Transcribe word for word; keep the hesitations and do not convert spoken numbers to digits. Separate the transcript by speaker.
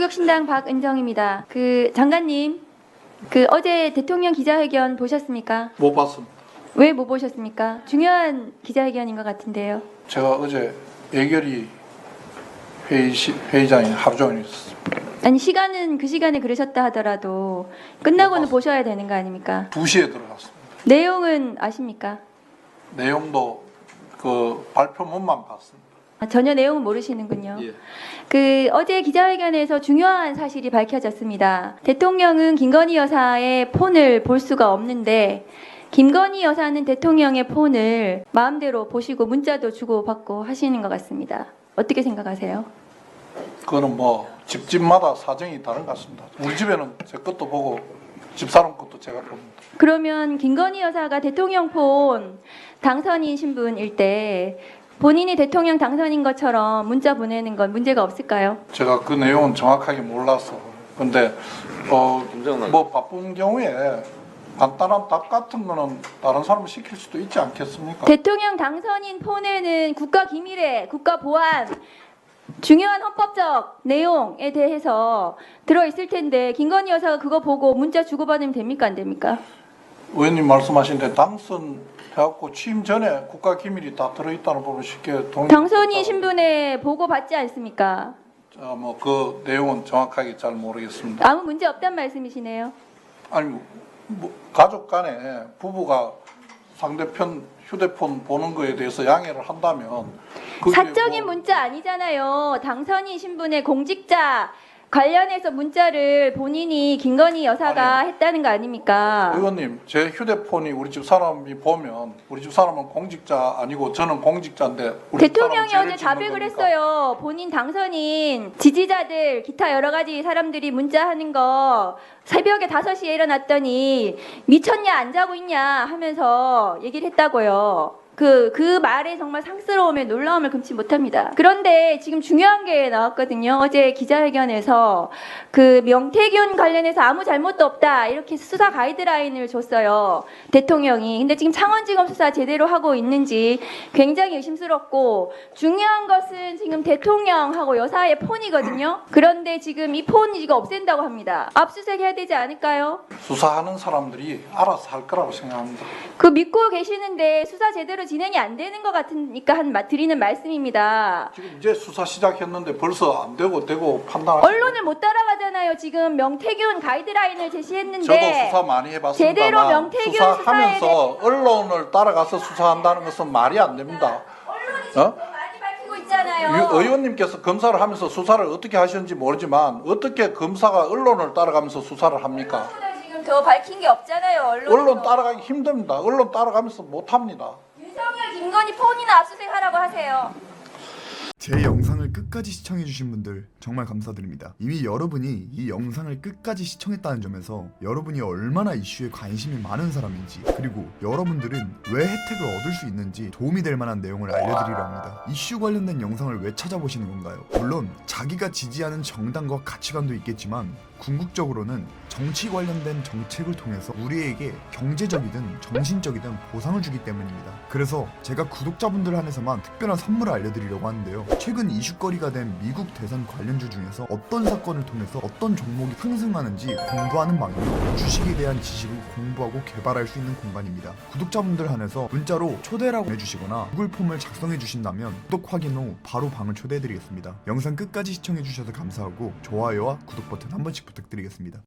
Speaker 1: 민족신당 박은정입니다. 그 장관님, 그 어제 대통령 기자회견 보셨습니까?
Speaker 2: 못 봤습니다.
Speaker 1: 왜 못 보셨습니까? 중요한 기자회견인 것 같은데요.
Speaker 2: 제가 어제 예결위 회의 시, 회의장에 하루 종일 있었습니다.
Speaker 1: 아니 시간은 그 시간에 그러셨다 하더라도 끝나고는
Speaker 2: 못 봤습니다.
Speaker 1: 보셔야 되는 거 아닙니까?
Speaker 2: 두 시에 들어갔습니다.
Speaker 1: 내용은 아십니까?
Speaker 2: 내용도 그 발표문만 봤습니다.
Speaker 1: 아, 전혀 내용은 모르시는군요.
Speaker 2: 예.
Speaker 1: 그 어제 기자회견에서 중요한 사실이 밝혀졌습니다. 대통령은 김건희 여사의 폰을 볼 수가 없는데 김건희 여사는 대통령의 폰을 마음대로 보시고 문자도 주고받고 하시는 것 같습니다. 어떻게 생각하세요?
Speaker 2: 그거는 뭐 집집마다 사정이 다른 것 같습니다. 우리 집에는 제 것도 보고 집사람 것도 제가 봅니다.
Speaker 1: 그러면 김건희 여사가 대통령 폰 당선인 신분일 때 본인이 대통령 당선인 것처럼 문자 보내는 건 문제가 없을까요?
Speaker 2: 제가 그 내용은 정확하게 몰라서. 근데 어, 뭐 바쁜 경우에 간단한 답 같은 거는 다른 사람을 시킬 수도 있지 않겠습니까?
Speaker 1: 대통령 당선인 폰에는 국가 기밀에 국가 보안 중요한 헌법적 내용에 대해서 들어있을 텐데 김건희 여사가 그거 보고 문자 주고받으면 됩니까 안 됩니까?
Speaker 2: 의원님 말씀하신 데 당선해갖고 취임 전에 국가 기밀이 다 들어있다는 부분 쉽게 동의.
Speaker 1: 당선인 신분에 보고 받지 않습니까?
Speaker 2: 뭐그 내용은 정확하게 잘 모르겠습니다.
Speaker 1: 아무 문제 없단 말씀이시네요.
Speaker 2: 아니 뭐 가족 간에 부부가 상대편 휴대폰 보는 거에 대해서 양해를 한다면 그게
Speaker 1: 사적인
Speaker 2: 뭐
Speaker 1: 문자 아니잖아요. 당선인 신분의 공직자 관련해서 문자를 본인이 김건희 여사가
Speaker 2: 아니,
Speaker 1: 했다는 거 아닙니까?
Speaker 2: 의원님 제 휴대폰이 우리 집 사람이 보면 우리 집 사람은 공직자 아니고 저는 공직자인데 우리 집
Speaker 1: 대통령이
Speaker 2: 사람은
Speaker 1: 어제
Speaker 2: 죄를 짓는
Speaker 1: 자백을
Speaker 2: 겁니까?
Speaker 1: 했어요. 본인 당선인 지지자들 기타 여러 가지 사람들이 문자하는 거 새벽에 다섯 시에 일어났더니 미쳤냐 안 자고 있냐 하면서 얘기를 했다고요. 그, 그 말에 정말 상스러움에 놀라움을 금치 못합니다. 그런데 지금 중요한 게 나왔거든요. 어제 기자회견에서 그 명태균 관련해서 아무 잘못도 없다. 이렇게 수사 가이드라인을 줬어요. 대통령이. 근데 지금 창원지검 수사 제대로 하고 있는지 굉장히 의심스럽고 중요한 것은 지금 대통령하고 여사의 폰이거든요. 그런데 지금 이 폰이 지금 없앤다고 합니다. 압수수색 해야 되지 않을까요?
Speaker 2: 수사하는 사람들이 알아서 할 거라고 생각합니다.
Speaker 1: 그 믿고 계시는데 수사 제대로 진행이 안 되는 것 같으니까 한 마- 드리는 말씀입니다.
Speaker 2: 지금 이제 수사 시작했는데 벌써 안 되고 되고 판단하시고.
Speaker 1: 언론을 못 따라가잖아요. 지금 명태균 가이드라인을 제시했는데
Speaker 2: 저도 수사 많이 해봤습니다만
Speaker 1: 제대로 명태균
Speaker 2: 수사하면서 언론을 따라가서 수사한다는 것은 말이 안 됩니다.
Speaker 1: 언론이
Speaker 2: 어?
Speaker 1: 지금 많이 밝히고 있잖아요.
Speaker 2: 유- 의원님께서 검사를 하면서 수사를 어떻게 하셨는지 모르지만 어떻게 검사가 언론을 따라가면서 수사를 합니까?
Speaker 1: 언론보다 지금 더 밝힌 게 없잖아요. 언론에서.
Speaker 2: 언론 따라가기 힘듭니다. 언론 따라가면서 못합니다.
Speaker 1: 윤석열, 김건희 폰이나 압수수색 하라고 하세요.
Speaker 3: 제 영상을 끝까지 시청해주신 분들 정말 감사드립니다. 이미 여러분이 이 영상을 끝까지 시청했다는 점에서 여러분이 얼마나 이슈에 관심이 많은 사람인지 그리고 여러분들은 왜 혜택을 얻을 수 있는지 도움이 될 만한 내용을 알려드리려 합니다. 이슈 관련된 영상을 왜 찾아보시는 건가요? 물론 자기가 지지하는 정당과 가치관도 있겠지만 궁극적으로는 정치 관련된 정책을 통해서 우리에게 경제적이든 정신적이든 보상을 주기 때문입니다. 그래서 제가 구독자분들 한해서만 특별한 선물을 알려드리려고 하는데요. 최근 이슈거리가 된 미국 대선 관련주 중에서 어떤 사건을 통해서 어떤 종목이 상승하는지 공부하는 방이고 주식에 대한 지식을 공부하고 개발할 수 있는 공간입니다. 구독자분들 한해서 문자로 초대라고 해주시거나 구글 폼을 작성해 주신다면 구독 확인 후 바로 방을 초대해드리겠습니다. 영상 끝까지 시청해주셔서 감사하고 좋아요와 구독 버튼 한 번씩 부탁드리겠습니다.